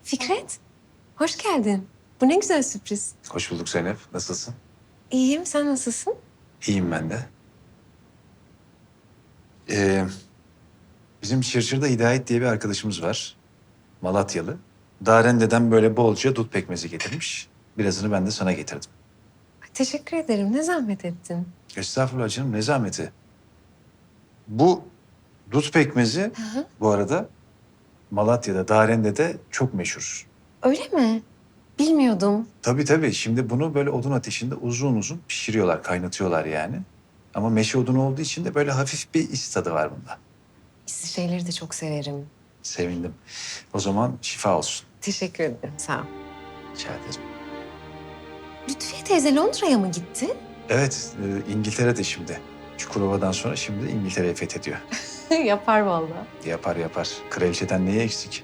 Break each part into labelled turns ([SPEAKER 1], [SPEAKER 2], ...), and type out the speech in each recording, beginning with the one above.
[SPEAKER 1] Fikret, hoş geldin. Bu ne güzel sürpriz.
[SPEAKER 2] Hoş bulduk Zeynep. Nasılsın?
[SPEAKER 1] İyiyim, sen nasılsın?
[SPEAKER 2] İyiyim ben de. Ee, Bizim Çırçır'da Hidayet diye bir arkadaşımız var. Malatyalı. Darende'den böyle bolca dut pekmezi getirmiş. Birazını ben de sana getirdim.
[SPEAKER 1] Ay, teşekkür ederim, ne zahmet ettin.
[SPEAKER 2] Estağfurullah canım, ne zahmeti. Bu dut pekmezi
[SPEAKER 1] Hı.
[SPEAKER 2] bu arada Malatya'da, Darende'de çok meşhur.
[SPEAKER 1] Öyle mi? Bilmiyordum.
[SPEAKER 2] Tabii tabii. Şimdi bunu böyle odun ateşinde uzun uzun pişiriyorlar, kaynatıyorlar yani. Ama meşe odunu olduğu için de böyle hafif bir is tadı var bunda.
[SPEAKER 1] İsli şeyleri de çok severim.
[SPEAKER 2] Sevindim. O zaman şifa olsun.
[SPEAKER 1] Teşekkür ederim, sağ ol.
[SPEAKER 2] Rica ederim.
[SPEAKER 1] Lütfiye teyze Londra'ya mı gitti?
[SPEAKER 2] Evet, İngiltere'de şimdi. Çukurova'dan sonra şimdi İngiltere'yi fethediyor.
[SPEAKER 1] Yapar vallahi.
[SPEAKER 2] Yapar yapar. Kraliçeden neye eksik?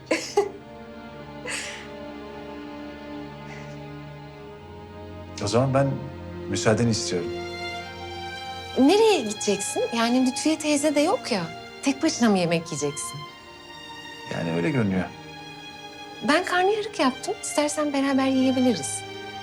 [SPEAKER 2] O zaman ben müsaadeni istiyorum.
[SPEAKER 1] Nereye gideceksin? Yani Lütfiye teyze de yok ya. Tek başına mı yemek yiyeceksin?
[SPEAKER 2] Yani öyle görünüyor.
[SPEAKER 1] Ben karnıyarık yaptım. İstersen beraber yiyebiliriz.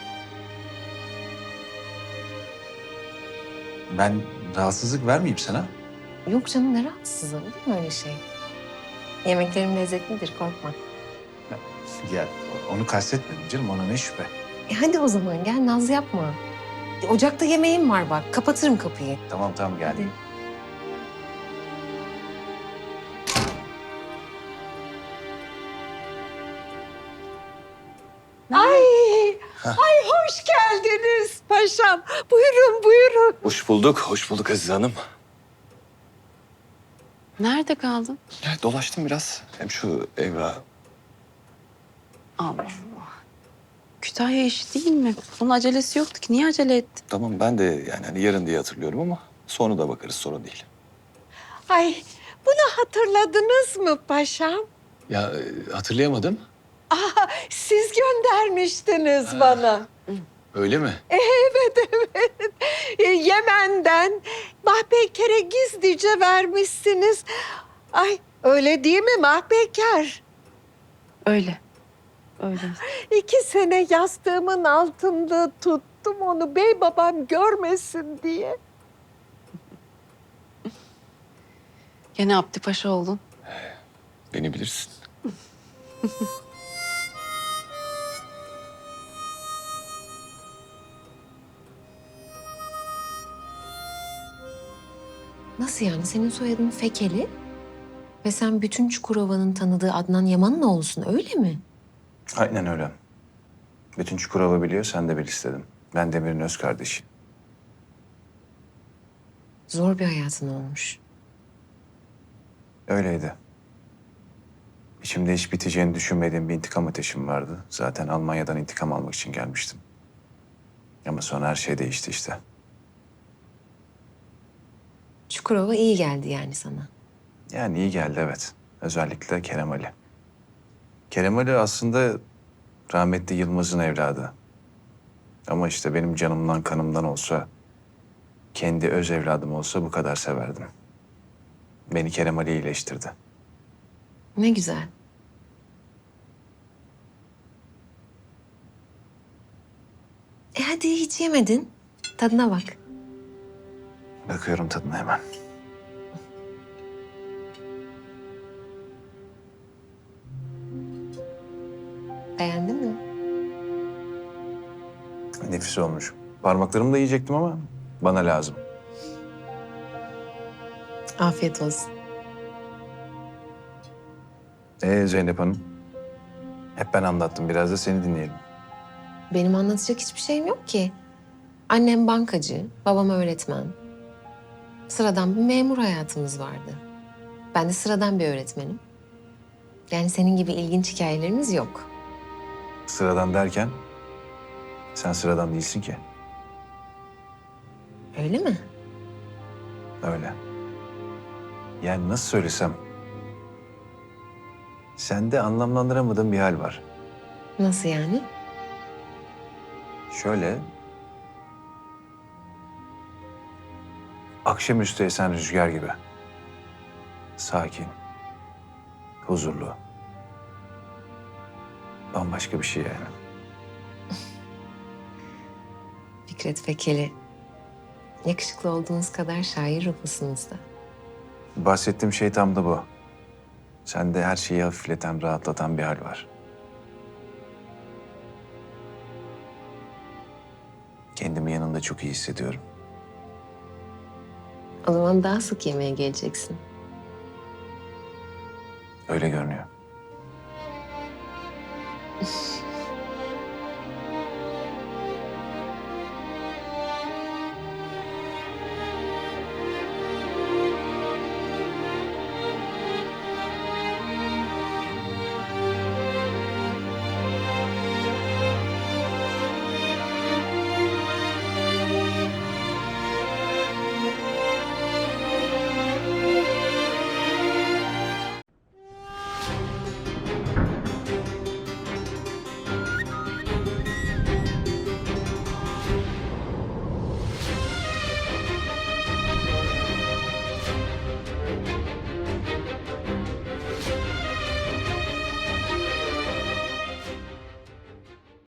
[SPEAKER 2] Ben rahatsızlık vermeyeyim sana.
[SPEAKER 1] Yok canım, ne rahatsız olur mu öyle şey? Yemeklerim lezzetlidir, korkma.
[SPEAKER 2] Ya onu kastetmedim canım, ona ne şüphe.
[SPEAKER 1] Hadi o zaman gel, naz yapma. Ocakta yemeğim var bak, kapatırım kapıyı.
[SPEAKER 2] Tamam tamam geldim.
[SPEAKER 1] Hadi.
[SPEAKER 3] Ay, ay hoş geldiniz paşam. Buyurun, buyurun.
[SPEAKER 4] Hoş bulduk Azize Hanım.
[SPEAKER 5] Nerede kaldın?
[SPEAKER 4] Dolaştım biraz. Hem şu evra.
[SPEAKER 5] Allah Allah. Kütahya işi değil mi? Bunun acelesi yoktu ki. Niye acele ettin?
[SPEAKER 4] Tamam ben de yani hani yarın diye hatırlıyorum ama sonra da bakarız sorun değil.
[SPEAKER 3] Ay, bunu hatırladınız mı paşam?
[SPEAKER 4] Ya hatırlayamadım.
[SPEAKER 3] Aa, siz göndermiştiniz bana.
[SPEAKER 4] Öyle mi?
[SPEAKER 3] Evet, evet. Yemen'den Mahpeyker'e gizlice vermişsiniz. Ay, öyle değil mi Mahpeyker?
[SPEAKER 5] Öyle. Öyle.
[SPEAKER 3] 2 sene yastığımın altında tuttum onu bey babam görmesin diye.
[SPEAKER 5] Gene Abdi Paşa oldun.
[SPEAKER 4] Beni bilirsin.
[SPEAKER 1] Nasıl yani? Senin soyadın Fekeli ve sen bütün Çukurova'nın tanıdığı Adnan Yaman'ın oğlusun, öyle mi?
[SPEAKER 2] Aynen öyle. Bütün Çukurova biliyor, sen de bil istedim. Ben Demir'in öz kardeşi.
[SPEAKER 1] Zor bir hayatın olmuş.
[SPEAKER 2] Öyleydi. İçimde hiç biteceğini düşünmediğim bir intikam ateşim vardı. Zaten Almanya'dan intikam almak için gelmiştim. Ama sonra her şey değişti işte.
[SPEAKER 1] Çukurova iyi geldi yani sana.
[SPEAKER 2] Yani iyi geldi evet. Özellikle Kerem Ali. Kerem Ali aslında rahmetli Yılmaz'ın evladı. Ama işte benim canımdan kanımdan olsa, kendi öz evladım olsa bu kadar severdim. Beni Kerem Ali iyileştirdi.
[SPEAKER 1] Ne güzel. Hadi hiç yemedin. Tadına bak.
[SPEAKER 2] Bakıyorum tadına hemen.
[SPEAKER 1] Beğendin mi?
[SPEAKER 2] Nefis olmuş. Parmaklarımla yiyecektim ama bana lazım.
[SPEAKER 1] Afiyet olsun.
[SPEAKER 2] Zeynep Hanım? Hep ben anlattım. Biraz da seni dinleyelim.
[SPEAKER 1] Benim anlatacak hiçbir şeyim yok ki. Annem bankacı, babam öğretmen. Sıradan bir memur hayatımız vardı. Ben de sıradan bir öğretmenim. Yani senin gibi ilginç hikayelerimiz yok.
[SPEAKER 2] Sıradan derken sen sıradan değilsin ki.
[SPEAKER 1] Öyle mi?
[SPEAKER 2] Öyle. Yani nasıl söylesem... Sende anlamlandıramadığım bir hal var.
[SPEAKER 1] Nasıl yani?
[SPEAKER 2] Şöyle... Akşamüstü esen rüzgar gibi. Sakin. Huzurlu. bambaşka bir şey yani.
[SPEAKER 1] Fikret Fekeli, yakışıklı olduğunuz kadar şair ruhlusunuz da.
[SPEAKER 2] Bahsettiğim şey tam da bu. Sende her şeyi hafifleten, rahatlatan bir hal var. Kendimi yanında çok iyi hissediyorum.
[SPEAKER 1] O zaman daha sık yemeğe geleceksin.
[SPEAKER 2] Öyle görünüyor.